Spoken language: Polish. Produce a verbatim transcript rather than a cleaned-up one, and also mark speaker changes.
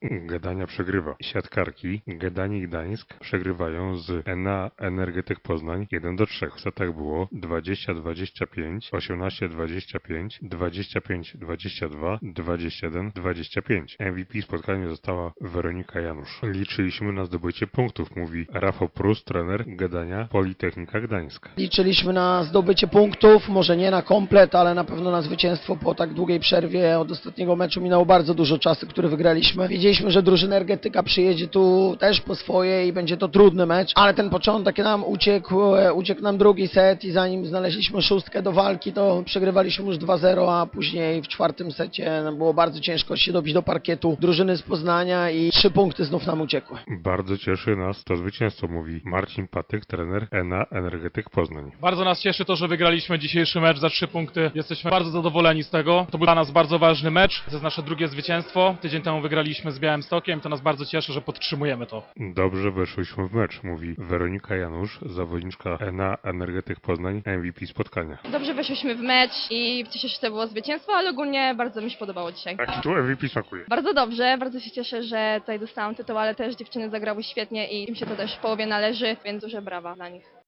Speaker 1: Gdania przegrywa. Siatkarki Gdanii i Gdańsk przegrywają z Enea Energetyk Poznań jeden do trzech. W setach było dwadzieścia dwadzieścia pięć, osiemnaście dwadzieścia pięć, dwadzieścia pięć dwadzieścia dwa, dwadzieścia jeden dwadzieścia pięć. M V P spotkania została Weronika Janusz. Liczyliśmy na zdobycie punktów, mówi Rafał Prus, trener Gdania Politechnika Gdańsk.
Speaker 2: Liczyliśmy na zdobycie punktów, może nie na komplet, ale na pewno na zwycięstwo po tak długiej przerwie. Od ostatniego meczu minęło bardzo dużo czasu, który wygraliśmy. Wiedzieliśmy, że drużyna Energetyka przyjedzie tu też po swoje i będzie to trudny mecz, ale ten początek nam uciekł, e, uciekł nam drugi set i zanim znaleźliśmy szóstkę do walki, to przegrywaliśmy już dwa zero, a później w czwartym secie nam było bardzo ciężko się dobić do parkietu drużyny z Poznania i trzy punkty znów nam uciekły.
Speaker 1: Bardzo cieszy nas to zwycięstwo, mówi Marcin Patyk, trener Enea Energetyk Poznań.
Speaker 3: Bardzo nas cieszy to, że wygraliśmy dzisiejszy mecz za trzy punkty. Jesteśmy bardzo zadowoleni z tego. To był dla nas bardzo ważny mecz. To jest nasze drugie zwycięstwo. Tydzień temu wygraliśmy z Białymstokiem. To nas bardzo cieszy, że podtrzymujemy to.
Speaker 1: Dobrze weszliśmy w mecz, mówi Weronika Janusz, zawodniczka Enea Energetyk Poznań, M V P spotkania.
Speaker 4: Dobrze weszliśmy w mecz i cieszę się, że to było zwycięstwo, ale ogólnie bardzo mi się podobało dzisiaj.
Speaker 1: Jak tu M V P smakuje?
Speaker 4: Bardzo dobrze, bardzo się cieszę, że tutaj dostałam tytuł, ale też dziewczyny zagrały świetnie i im się to też w połowie należy, więc duże brawa dla nich.